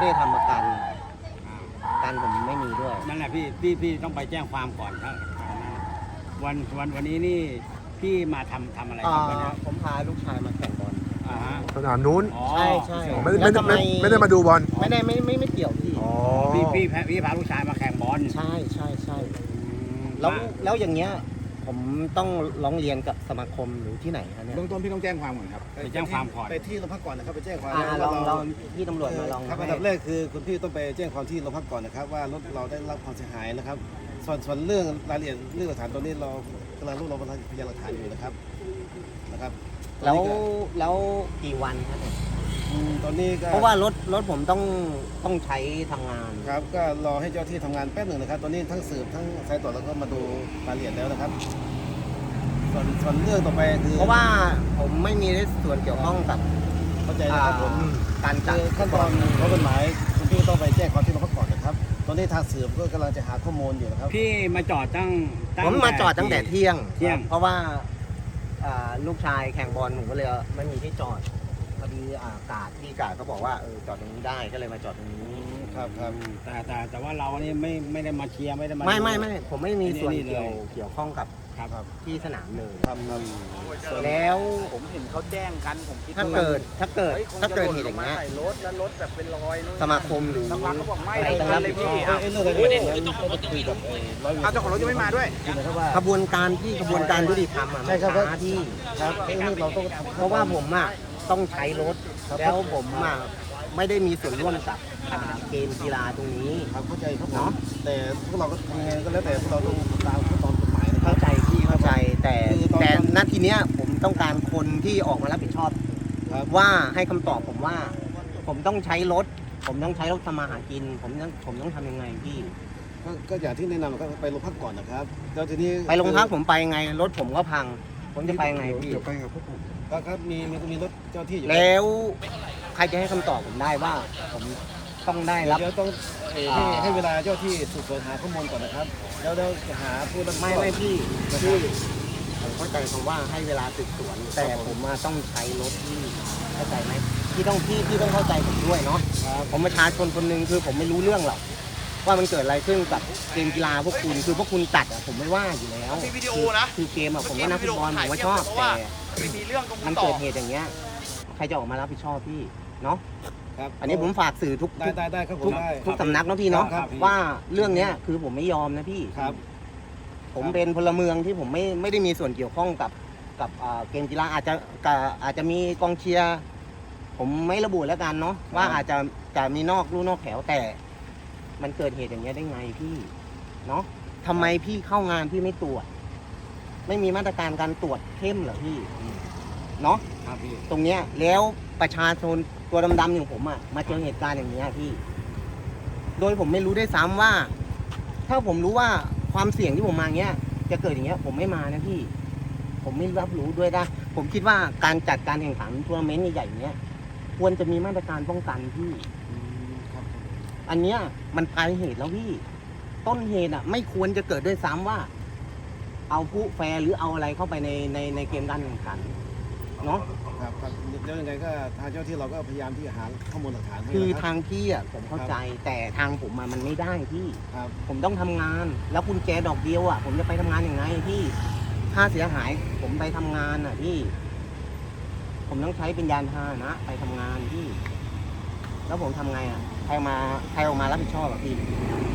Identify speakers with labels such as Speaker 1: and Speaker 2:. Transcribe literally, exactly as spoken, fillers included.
Speaker 1: ได้ทำประกันการผมไม่มีด้วย
Speaker 2: นั่นแหละพี่พี่พี่ต้องไปแจ้งความก่อนครับวันวันวันนี้นี่พี่มาทำทำอะไรครับวันนี้
Speaker 1: ผมพาลูกชายมาแข่งบอล
Speaker 3: สนามนู้น
Speaker 1: ใช่ใช่
Speaker 3: ไม่ไม่ไม่ไม่ได้มาดูบอล
Speaker 1: ไม่ได้ไม่ไม่ไม่เกี่ยวพี่
Speaker 2: พี่พี่พี่พาลูกชายมาแข่งบอล
Speaker 1: ใช่ใช่ใช่แล้วแล้วอย่างเงี้ยผมต้องร้องเรียนกับสมาคมหรือที่ไหนครับเนี่ย
Speaker 4: เบื้องต้นพี่ต้องแจ้งความก่อนครับ
Speaker 2: ไปแจ้งความก่อน
Speaker 4: ไปที่โรงพักก่อนนะครับไปแจ้งความ
Speaker 1: ลองลองพี่ตำรวจมาลอง
Speaker 4: ครับอันดับแรกคือคุณพี่ต้องไปแจ้งความที่โรงพักก่อนนะครับว่ารถเราได้รับความเสียหายนะครับส่วนส่วนเรื่องรายละเอียดเรื่องหลักฐานตัวนี้เรากำลังรวบรวมพยานหลักฐานอยู่นะครับนะครับ
Speaker 1: แล้วแล้วกี่วันครับเนี่ย
Speaker 4: ตอนนี้ก็
Speaker 1: เพราะว่ารถรถผมต้องต้องใช้ทำงาน
Speaker 4: ครับก็รอให้เจ้าที่ทำงานแป๊บหนึ่งนะครับตอนนี้ทั้งสืบทั้งสายตรวจแล้วก็มาดูรายละเอียดแล้วนะครับส่วนส่วนเรื่องต่อไปคือ
Speaker 1: เพราะว่าผมไม่มีส่วนเกี่ยวข้องกับ
Speaker 4: เข้าใจนะครับผม
Speaker 1: การจัด
Speaker 4: ขั้นตอนของกฎหมายคุณพี่ต้องไปแจ้งความที่โรงพักก่อนนะครับตอนนี้ทางสืบก็กำลังจะหาข้อมูลอยู่นะครับ
Speaker 2: พี่มาจอดตั้ง
Speaker 1: ผมมาจอดตั้งแต่เที่ยง
Speaker 2: เที่ยง
Speaker 1: เพราะว่าลูกชายแข่งบอลผมก็เลยไม่มีที่จอดพอดีอากาศที่กาดเขาบอกว่าเออจอดตรงนี้ได้ก็เลยมาจอดตรงนี้
Speaker 4: ครับครับ
Speaker 2: แต่แต่แต่ว่าเรานี่ไม่ไม่ได้มาเชียร์ไม่ได้มา
Speaker 1: ไม่ไม่ไม่ผมไม่มีส่วนเกี่ยวเกี่ยวข้องกับ
Speaker 2: ครับ
Speaker 1: ที่สนามเลย
Speaker 4: ครับ
Speaker 1: แล้ว
Speaker 5: ผมเห็นเขาแจ้งกันผมคิด
Speaker 1: ถ้าเกิดถ้าเกิดถ้าเกิดเหตุอย่างเงี้ย
Speaker 5: รถแล้วรถแบบเป็นรอย
Speaker 1: สมาคมหรือ
Speaker 5: สมาคมเขาบอกไม่
Speaker 1: ต้องรับผิดชอบ
Speaker 4: ไอ้เรื่องอะไรเนี่ยต้องคุยกับ
Speaker 5: เอาเจ้าของรถยังไม่มาด้วย
Speaker 1: กระบวนการที่กระบวนการยุติธรรมอ่ะไม่ช้าที่
Speaker 4: ครับไอ้เรื่องเราต้อง
Speaker 1: เพราะว่าผมอ่ะต้องใช้รถแล้วผมอ่ะไม่ได้มีส่วนร่วมกับเกมกีฬาตรงนี้
Speaker 4: ครับเข้าใจครับเนาะแต่พวกเราก็ทำยังไงก็แล้วแต่พวกเราต้องตามขั้นตอนกฎหมาย
Speaker 1: เข้าใจพี่เข้าใจแต่แต่ณทีเนี้ยผมต้องการคนที่ออกมารับผิดชอบว่าให้คำตอบผมว่าผมต้องใช้รถผมต้องใช้รถทำมาหากินผมต้องผมต้องทำยังไงพี่
Speaker 4: ก็อย่างที่แนะนำก็ไปโรงพักก่อนนะครับแล้วทีนี้
Speaker 1: ไปโรงพักผมไปไงรถผมก็พังผมจะไปไงพี่
Speaker 4: เดี๋ยวไปกับพวกผมครับมีมีมีรถเจ้าที่อยู่
Speaker 1: แล้วใครจะให้คำตอบผมได้ว่าผมต้องได้รับ
Speaker 4: เดี๋ยวต้องให้ให้เวลาเจ้าที่สืบสวนหาข้อมูลก่อนนะครับแล้วเราจะหาผู้รับ
Speaker 1: ไม่ไม่พี่พี่ผมเข้าใจคำว่าให้เวลาสืบสวนแต่ผมมาต้องใช้รถที่เข้าใจไหมพี่ต้องพี่พี่ต้องเข้าใจผมด้วยเนาะผมประชาชนคนหนึ่งคือผมไม่รู้เรื่องหรอกว่ามันเกิดอะไรขึ้นกับเกมกีฬาพวกคุณคือพวกคุณจัดอ่ะผมไม่ว่าอยู่แล้วคือเกมอ่ะผมก็นักฟุตบอลผมก็ชอบแต่มันเกิดเหตุอย่างเงี้ยใครจะออกมารับผิดชอบพี่เนาะอันนี้ผมฝากสื่อทุก
Speaker 4: ได้ได้ได้ครับผม
Speaker 1: ทุกสำนักนะพี่เนาะว่าเรื่องเนี้ยคือผมไม่ยอมนะพี่
Speaker 4: ครับ
Speaker 1: ผมเป็นพลเมืองที่ผมไม่ไม่ได้มีส่วนเกี่ยวข้องกับกับเกมกีฬาอาจจะอาจจะมีกองเชียร์ผมไม่ระบุแล้วกันเนาะว่าอาจจะจะมีนอกลู่นอกแถวแต่มันเกิดเหตุอย่างเงี้ยได้ไงพี่เนาะทำไมพี่เข้างานพี่ไม่ตรวจไม่มีมาตรการการตรวจเข้มเหรอพี่เนาะตรงเนี้ยแล้วประชาชนตัวดำๆอย่างผมอ่ะมาเจอเหตุการณ์อย่างเงี้ยพี่โดยผมไม่รู้ได้ซ้ำว่าถ้าผมรู้ว่าความเสี่ยงที่ผมมาเงี้ยจะเกิดอย่างเงี้ยผมไม่มานะพี่ผมไม่รับรู้ด้วยนะผมคิดว่าการจัดการแข่งขันทัวร์นาเมนต์ใหญ่ๆเนี้ยควรจะมีมาตรการป้องกันพี่อันเนี้ยมันปลายเหตุแล้วพี่ต้นเหตุอ่ะไม่ควรจะเกิดด้วยซ้ำว่าเอาผู้แฟร์หรือเอาอะไรเข้าไปในในในเกมการแข่งขันเนาะ
Speaker 4: ครับครับแล้วยังไงก็ทางเจ้าที่เราก็พยายามที่จะหาข้อมูลหลักฐานให้
Speaker 1: คือทางพี่อ่ะผมเข้าใจแต่ทางผมมันไม่ได้พี่ผมต้องทำงานแล้วกุญแจดอกเดียวอ่ะผมจะไปทำงานยังไงพี่ค่าเสียหายผมไปทำงานอ่ะพี่ผมต้องใช้เป็นยานพาหนะไปทำงานพี่แล้วผมทำไงอ่ะใครมาใครออกมารับผิดชอบอ่ะพี่